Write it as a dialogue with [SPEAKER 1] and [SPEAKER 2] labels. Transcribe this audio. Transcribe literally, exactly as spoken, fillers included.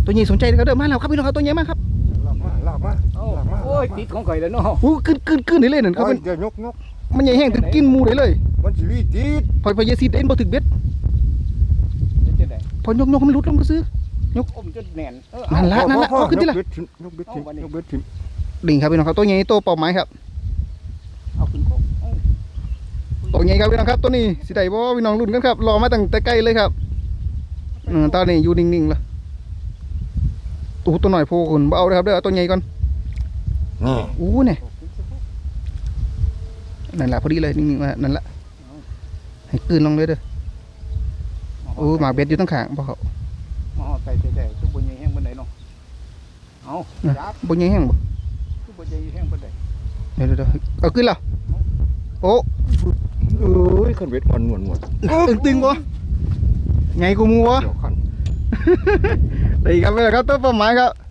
[SPEAKER 1] ตัวใหญ่สนใจเขาเดินมาแล้วครับพี่น้องครับตัวใหญ่มากครับ
[SPEAKER 2] ลากมาลากมาลากมา
[SPEAKER 3] โอ้ยติดของข่อยแล้วเนาะ
[SPEAKER 1] โอ้กึนกึนกึนนี่เลยนั่นครับ
[SPEAKER 2] โอ้
[SPEAKER 1] มั
[SPEAKER 2] ย
[SPEAKER 1] น
[SPEAKER 2] เดี๋ยวยกยก
[SPEAKER 1] มันใหญ่แห้งถึงกินหมูได้เลย
[SPEAKER 2] มันสิรีติด
[SPEAKER 1] พอพอยาซีเอ็นบ่ถึงเบ็ด
[SPEAKER 3] จะได้
[SPEAKER 1] พอยกยกมันหลุดลงก็ซื้อ
[SPEAKER 3] อมจนแน่นเออ
[SPEAKER 1] นั่นละนั่นละเอาขึ้นที่ละ
[SPEAKER 2] ยกเบ็ดทิ้งยกเบ็ดทิ้งยกเบ็ดทิ้ง
[SPEAKER 1] ดิ่งครับพี่น้องครับตัวใหญ่ตัวเป่าไม้ครับ
[SPEAKER 3] เอาขึ้นโคก
[SPEAKER 1] ตัวใหญ่ครับพี่น้องครับตัวนี้สิได้บ่พี่น้องรุ่นกันครับรอมาตั้งแต่ไกลเลยครับอืมตอนนี้อยู่นิ่งๆละตัวตัวหน่อยโผล่ขึ้นบ่เอาเลยครับเด้อเอาตัวใหญ่ก่อน
[SPEAKER 2] นี่
[SPEAKER 1] อู้เนี่ยนั่นแหละพอดีเลยนิ่งๆมานั่นแหละให้กลืนลงเลยเด้อโอ้หมาเบ็ดอยู่ตั้งขางบ่เขา
[SPEAKER 3] มาเอาใส่แต่ๆทุกบนยังแห้งบนไหนเนาะเอาจับ
[SPEAKER 1] บ่ใหญ่แห้งบ่
[SPEAKER 3] ทุกบนยังแห้งบนไหน
[SPEAKER 1] เดี๋ยวเดี๋ยวเอาขึ้นแล้วโอ้
[SPEAKER 2] เอ้ยขันเบ็ดอ่อนหนวลหมด
[SPEAKER 1] ตึงตึงบ่ไงกูมูวะ
[SPEAKER 2] เดี๋ยวขัน
[SPEAKER 1] ดีครับพี่น้องครับตัวเป้าหมายครับ